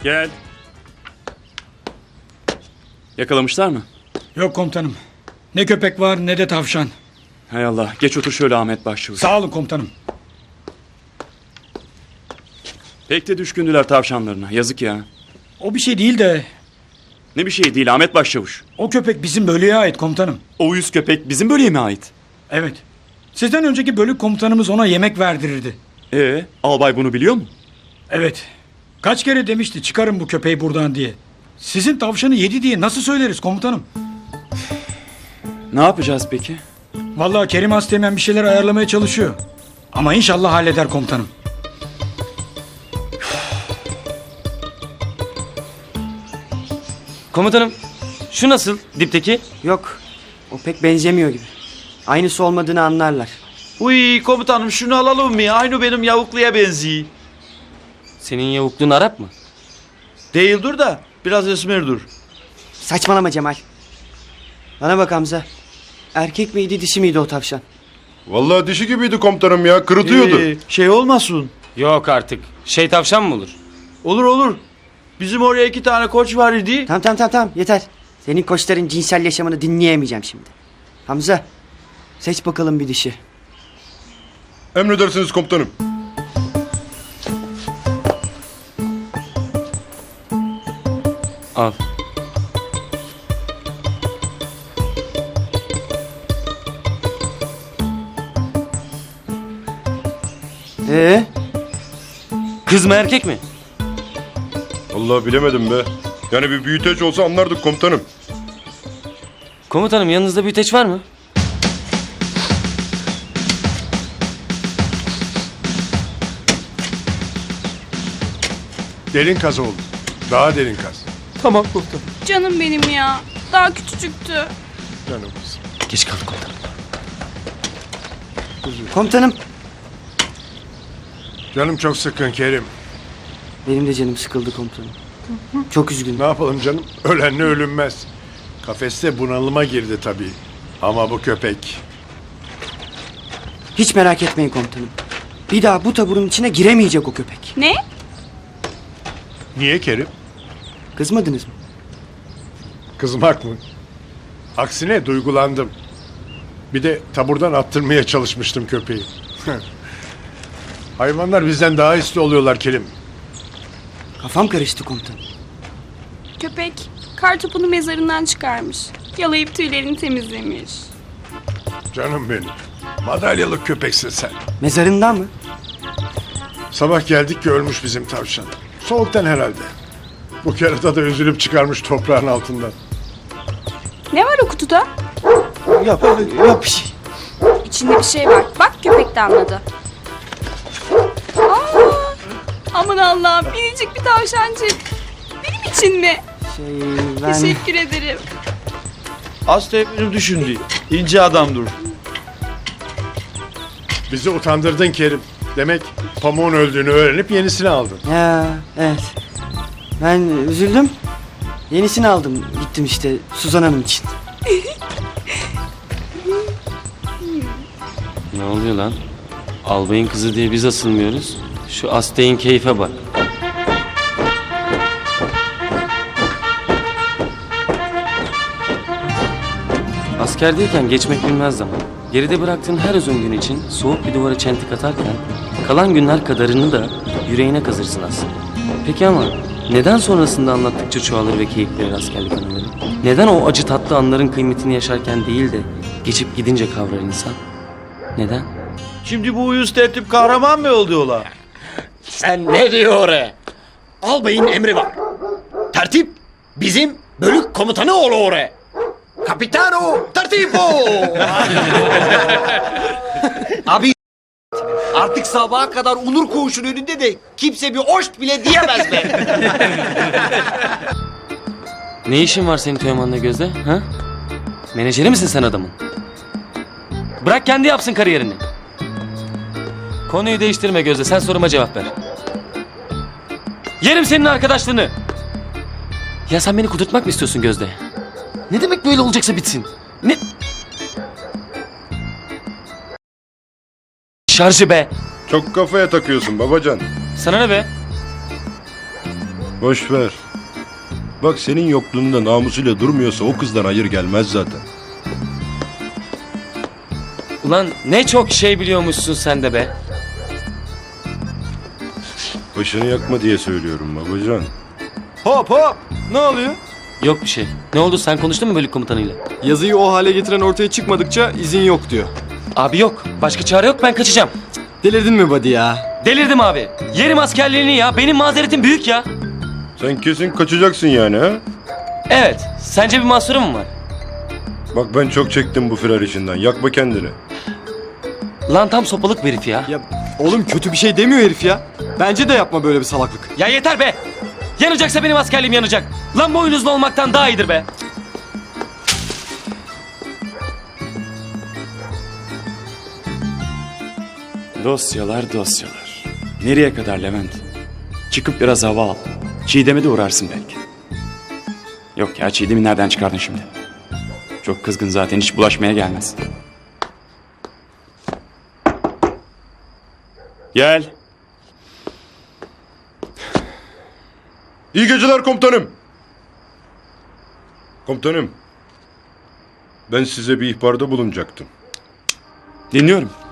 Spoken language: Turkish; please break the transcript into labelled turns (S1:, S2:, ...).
S1: Gel. Yakalamışlar mı?
S2: Yok komutanım. Ne köpek var ne de tavşan.
S1: Hay Allah. Geç otur şöyle Ahmet Başçavuş.
S2: Sağ olun komutanım.
S1: Pek de düşkündüler tavşanlarına. Yazık ya.
S2: O bir şey değil de
S1: Ne bir şey değil Ahmet Başçavuş.
S2: o köpek bizim bölüğe ait komutanım.
S1: O uyuz köpek bizim bölüğe mi ait?
S2: Evet. Sizden önceki bölük komutanımız ona yemek verdirirdi.
S1: Albay bunu biliyor mu?
S2: Evet. Kaç kere demişti çıkarın bu köpeği buradan diye. Sizin tavşanı yedi diye nasıl söyleriz komutanım?
S1: Ne yapacağız peki?
S2: Vallahi Kerim Asteğmen bir şeyler ayarlamaya çalışıyor. Ama inşallah halleder komutanım.
S3: Komutanım, şu nasıl dipteki?
S4: Yok. O pek benzemiyor gibi. Aynısı olmadığını anlarlar.
S5: Uy komutanım şunu alalım mı? Aynı benim yavukluya benziyor.
S3: Senin yavukluğun Arap mı?
S5: Değildir da biraz esmerdir.
S4: Saçmalama Cemal. Bana bak Hamza. Erkek miydi dişi miydi o tavşan?
S6: Vallahi dişi gibiydi komutanım ya. Kırıtıyordu.
S5: Şey olmasın.
S3: Yok artık. Şey tavşan mı olur?
S5: Olur olur. Bizim oraya 2 tane koç var idi.
S4: Tamam yeter. Senin koçların cinsel yaşamını dinleyemeyeceğim şimdi. Hamza seç bakalım bir dişi.
S6: Emredersiniz komutanım.
S3: Al. Kız mı erkek mi?
S6: Vallahi bilemedim be. Yani bir büyüteç olsa anlardık komutanım.
S3: Komutanım yanınızda büyüteç var mı?
S6: Derin kaz oldu. Daha derin kaz.
S3: Tamam komutanım.
S7: Canım benim ya. Daha küçücüktü.
S6: Canımız.
S3: Geç kaldık komutanım.
S4: Komutanım.
S6: Canım çok sıkkın Kerim.
S4: Benim de canım sıkıldı komutanım. Çok üzgünüm.
S6: Ne yapalım canım? Ölenle ölünmez. Kafeste bunalıma girdi tabii. Ama bu köpek.
S4: Hiç merak etmeyin komutanım. Bir daha bu taburun içine giremeyecek o köpek.
S7: Ne?
S6: Niye Kerim?
S4: Kızmadınız mı?
S6: Kızmak mı? Aksine duygulandım. Bir de taburdan attırmaya çalışmıştım köpeği. Hayvanlar bizden daha hisli oluyorlar Kerim.
S4: Kafam karıştı komutanım.
S7: Köpek kartopunu mezarından çıkarmış. Yalayıp tüylerini temizlemiş.
S6: Canım benim. Madalyalık köpeksin sen.
S4: Mezarından mı?
S6: Sabah geldik ki ölmüş bizim tavşan. Soğuktan herhalde. Bu kerata da üzülüp çıkarmış toprağın altından.
S7: Ne var o kutuda?
S4: Yok bir şey.
S7: İçinde bir şey var. Bak köpek de anladı. Aa, aman Allah'ım minicik bir tavşancık. Benim için mi?
S4: Ben...
S7: Teşekkür ederim.
S5: Hasta benim düşündü. İnce adamdır.
S6: Bizi utandırdın Kerim. Demek pamuğun öldüğünü öğrenip yenisini aldın.
S4: Ya evet. Ben üzüldüm. Yenisini aldım. Gittim işte Suzan Hanım için.
S3: Ne oluyor lan? Albayın kızı diye biz asılmıyoruz. Şu Asteğin keyfe bak. Askerdeyken geçmek bilmez zaman. Geride bıraktığın her uzun gün için soğuk bir duvara çentik atarken kalan günler kadarını da yüreğine kazırsın aslında. Peki ama neden sonrasında anlattıkça çoğalır ve keyiflenir askerlik anıları? Neden o acı tatlı anların kıymetini yaşarken değil de geçip gidince kavrar insan? Neden?
S5: Şimdi bu uyuz tertip kahraman mı oldu ola?
S8: Sen ne diyor oraya? Albayın emri var. Tertip bizim bölük komutanı oğlu oraya. Kapitano tertipo. Abi artık sabaha kadar Onur Koğuş'un önünde de kimse bir oşt bile diyemez be.
S3: Ne işin var senin Teoman'la Gözde? Ha? Menajeri misin sen adamın? Bırak kendi yapsın kariyerini. Konuyu değiştirme Gözde. Sen soruma cevap ver. Yerim senin arkadaşlığını. Ya sen beni kudurtmak mı istiyorsun Gözde? Ne demek böyle olacaksa bitsin? Ne? Şarjı be.
S6: Çok kafaya takıyorsun babacan.
S3: Sana ne be?
S9: Boş ver. Bak senin yokluğunda namusuyla durmuyorsa o kızdan hayır gelmez zaten.
S3: Ulan ne çok şey biliyormuşsun sen de be.
S9: Başını yakma diye söylüyorum babacan.
S10: Hop hop! Ne oluyor?
S3: Yok bir şey. Ne oldu, sen konuştun mu bölük komutanıyla?
S10: Yazıyı o hale getiren ortaya çıkmadıkça izin yok diyor.
S3: Abi yok. Başka çare yok, ben kaçacağım.
S10: Delirdin mi buddy ya?
S3: Delirdim abi. Yerim askerliğini ya. Benim mazeretim büyük ya.
S9: Sen kesin kaçacaksın yani ha?
S3: Evet. Sence bir mahsurum mu var?
S9: Bak ben çok çektim bu firar işinden. Yakma kendini.
S3: Lan tam sopalık bir herif ya.
S10: Ya oğlum kötü bir şey demiyor herif ya. Bence de yapma böyle bir salaklık.
S3: Ya yeter be. Yanacaksa benim askerliğim yanacak. Lan boynuzlu olmaktan daha iyidir be.
S1: Dosyalar dosyalar. Nereye kadar Levent? Çıkıp biraz hava al. Çiğdem'e de uğrarsın belki. Yok ya, Çiğdem'i nereden çıkardın şimdi? Çok kızgın zaten, hiç bulaşmaya gelmez. Gel.
S9: İyi geceler komutanım. Komutanım. Ben size bir ihbarda bulunacaktım.
S1: Dinliyorum.